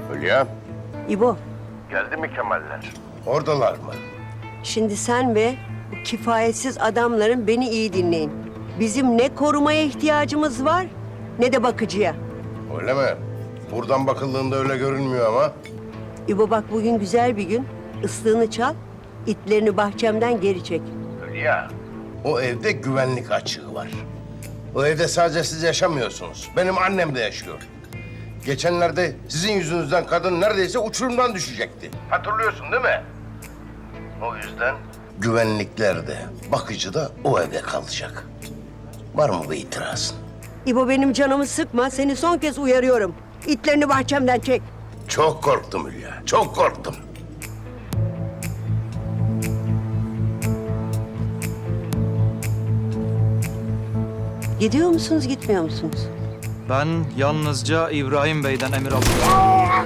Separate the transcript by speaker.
Speaker 1: Hülya.
Speaker 2: İbo,
Speaker 1: Geldi mi Kemaller? Oradalar mı?
Speaker 2: şimdi sen ve bu kifayetsiz adamların beni iyi dinleyin. Bizim ne korumaya ihtiyacımız var ne de bakıcıya.
Speaker 1: Öyle mi? Buradan bakıldığında öyle görünmüyor ama.
Speaker 2: İbo bak bugün güzel bir gün. Islığını çal, itlerini bahçemden geri çek.
Speaker 1: Hülya. O evde güvenlik açığı var. O evde sadece siz yaşamıyorsunuz. Benim annem de yaşıyor. Geçenlerde sizin yüzünüzden kadın neredeyse uçurumdan düşecekti. Hatırlıyorsun değil mi? O yüzden güvenlikler de, bakıcı da o evde kalacak. Var mı bir itirazın?
Speaker 2: İbo benim canımı sıkma, seni son kez uyarıyorum. İtlerini bahçemden çek.
Speaker 1: Çok korktum Hülya, çok korktum.
Speaker 2: Gidiyor musunuz, gitmiyor musunuz?
Speaker 3: Ben yalnızca İbrahim Bey'den emir alıyorum.